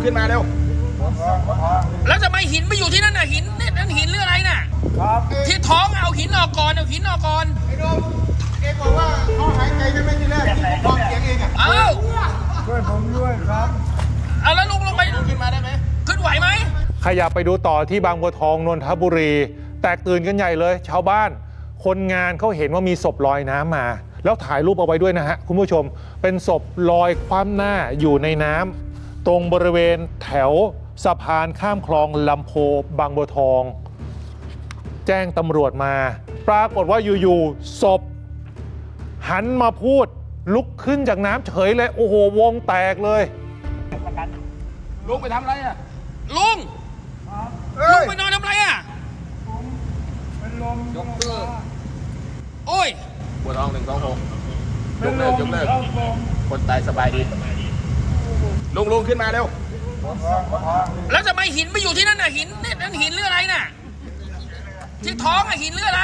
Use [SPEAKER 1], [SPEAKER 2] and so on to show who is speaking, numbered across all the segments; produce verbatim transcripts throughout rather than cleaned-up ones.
[SPEAKER 1] ขึ้นมาเร็วแล้วทำไมหินไปอยู่ที่นั่นน่ะหินนี่นั่นหินหรืออะไรน่ะครับที่ท้องเอาหินออกก่อนเอาหินออกก่อน
[SPEAKER 2] ไอ้โดมเองบอกว่าเขาหายใจใช่ไหมทีแรกที่ผมฟังเสียงเองอ่ะ
[SPEAKER 1] เอ้า
[SPEAKER 2] ช่วยผมด้วยครับ
[SPEAKER 1] เอาแล้วลุงลงไปขึ้นมาได้ไหมขึ้นไหวไหม
[SPEAKER 3] ขยับไปดูต่อที่บางบัวทองนนทบุรีแตกตื่นกันใหญ่เลยชาวบ้านคนงานเขาเห็นว่ามีศพลอยน้ำมาแล้วถ่ายรูปเอาไว้ด้วยนะฮะคุณผู้ชมเป็นศพลอยคว่ำหน้าอยู่ในน้ำตรงบริเวณแถวสะพานข้ามคลองลำโพบางบัวทองแจ้งตำรวจมาปรากฏว่าอยู่ๆศพหันมาพูดลุกขึ้นจากน้ำเฉยเลยโอ้โหวงแตกเลย
[SPEAKER 1] ลุงไปทำอะไรอ่ะลุงลุงไปนอนทำอะไรอ่ะ
[SPEAKER 2] เป็นลม
[SPEAKER 1] ยกเลิกโอ้ยบัวทองหนึ่งสองหกยกเลิกยกเลิกคนตายสบายดีลุงลุงขึ้นมาเร็วแล้วทำไมหินไปอยู่ที่นั่นน่ะหินนี่นั่นหินหรืออะไรน่ะที่ท้องอ่ะหินหรืออะไร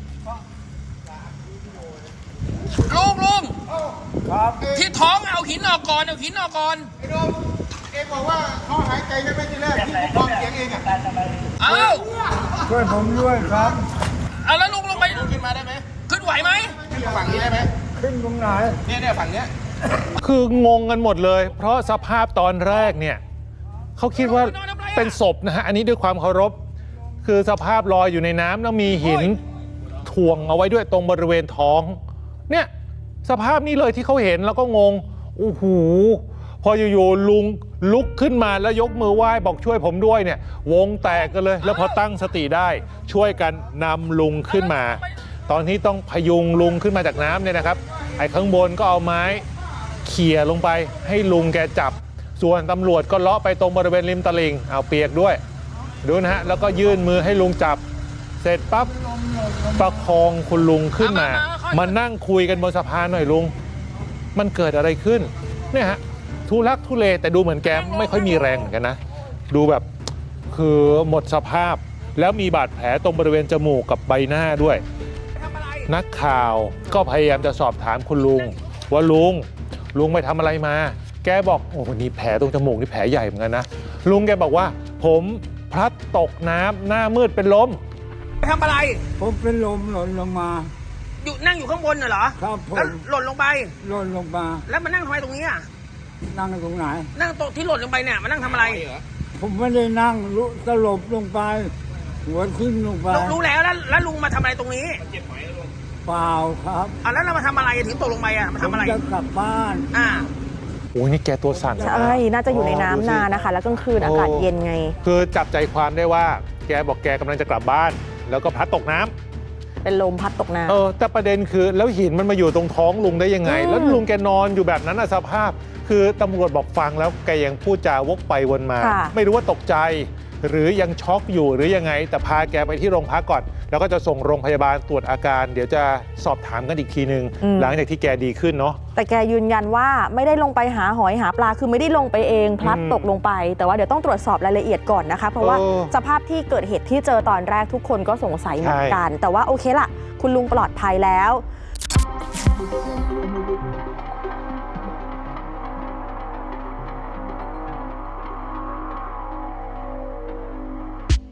[SPEAKER 1] ลุงลุงที่ท้องเอาหินออกก่อนเอาหินออกก่อน
[SPEAKER 2] ไอ้โดมเองบอกว่าเขาหายใจใช่ไหมทีแรกที่ผมฟังเสียงเองอ่ะ
[SPEAKER 1] เอ้า
[SPEAKER 2] ช่วยผมด้วยครับ
[SPEAKER 1] เอาแล้วลุงลงไปขึ้นมาได้ไหมขึ้นไหวไหมขึ้นฝั่งนี้ได้ไหม
[SPEAKER 2] ขึ้นตรงไหน
[SPEAKER 1] เนี่ยเนี่ยฝั่งเนี้ย
[SPEAKER 3] คืองงกันหมดเลยเพราะสภาพตอนแรกเนี่ยเขาคิดว่าเป็นศพนะฮะอันนี้ด้วยความเคารพคือสภาพลอยอยู่ในน้ำแล้วมีหินถ่วงเอาไว้ด้วยตรงบริเวณท้องเนี่ยสภาพนี้เลยที่เขาเห็นแล้วก็งงโอ้โหพออยู่ๆลุงลุกขึ้นมาแล้วยกมือไหว้บอกช่วยผมด้วยเนี่ยวงแตกกันเลยแล้วพอตั้งสติได้ช่วยกันนำลุงขึ้นมาตอนนี้ต้องพยุงลุงขึ้นมาจากน้ำเนี่ยนะครับไอ้ข้างบนก็เอาไม้เขี่ยลงไปให้ลุงแกจับส่วนตำรวจก็เลาะไปตรงบริเวณริมตลิ่งเอาเปียกด้วยดูนะฮะแล้วก็ยื่นมือให้ลุงจับเสร็จปั๊บประคองคุณลุงขึ้นมามานั่งคุยกันบนสะพานหน่อยลุงมันเกิดอะไรขึ้นเนี่ยฮะทุลักทุเลแต่ดูเหมือนแกไม่ค่อยมีแรงเหมือนกันนะดูแบบคือหมดสภาพแล้วมีบาดแผลตรงบริเวณจมูกกับใบหน้าด้วยนักข่าวก็พยายามจะสอบถามคุณลุงว่าลุงลุงไปทำอะไรมาแกบอกโอ้โหนี่แผลตรงจมูกนี่แผลใหญ่เหมือนกันนะลุงแกบอกว่าผมพลัดตกน้ำหน้ามืดเป็นลม
[SPEAKER 1] ไปทำอะไร
[SPEAKER 2] ผมเป็นลมหล่นลงมา
[SPEAKER 1] อยู่นั่งอยู่ข้างบนน่ะเหรอ
[SPEAKER 2] ครับผม
[SPEAKER 1] แล้วหล่นลงไป
[SPEAKER 2] หล่นลงมา
[SPEAKER 1] แล้วมานั่งทำไมตรงนี้อ่ะ
[SPEAKER 2] นั่งตรงไหน
[SPEAKER 1] นั่งโต๊ะที่หล่นลงไปเนี่ยมานั่งทำอะไร
[SPEAKER 2] ผมไม่ได้นั่งลุสลบลงไปหัวทิ้งลงไป
[SPEAKER 1] รู้แล้วแล้วแล้วลุงมาทำอะไรตรงนี้
[SPEAKER 2] เปล่าครับ
[SPEAKER 1] อ่ะแล้วเรามาทำอะไรถึงตกลงไปอ่ะมาทำอะไร
[SPEAKER 2] จะกลับบ้าน
[SPEAKER 1] อ่า
[SPEAKER 3] โอ้ยนี่แกตัวสั่น
[SPEAKER 4] ใช่น่าจะอยู่ในน้ำนานนะคะแล้วกลางคืนอากาศเย็นไง
[SPEAKER 3] คือจับใจความได้ว่าแกบอกแกกำลังจะกลับบ้านแล้วก็พลัดตกน้ำ
[SPEAKER 4] เป็นลมพัดตกน้ำ
[SPEAKER 3] เออแต่ประเด็นคือแล้วหินมันมาอยู่ตรงท้องลุงได้ยังไงแล้วลุงแกนอนอยู่แบบนั้นสภาพคือตำรวจบอกฟังแล้วแกยังพูดจาวกไปวนมาไม่รู้ว่าตกใจหรือยังช็อกอยู่หรือยังไงแต่พาแกไปที่โรงพักก่อนแล้วก็จะส่งโรงพยาบาลตรวจอาการเดี๋ยวจะสอบถามกันอีกทีนึงหลังจากที่แกดีขึ้นเนาะ
[SPEAKER 4] แต่แกยืนยันว่าไม่ได้ลงไปหาหอยหาปลาคือไม่ได้ลงไปเองพลัดตกลงไปแต่ว่าเดี๋ยวต้องตรวจสอบรายละเอียดก่อนนะคะเพราะว่าสภาพที่เกิดเหตุที่เจอตอนแรกทุกคนก็สงสัยเหมือนกันแต่ว่าโอเคล่ะคุณลุงปลอดภัยแล้ว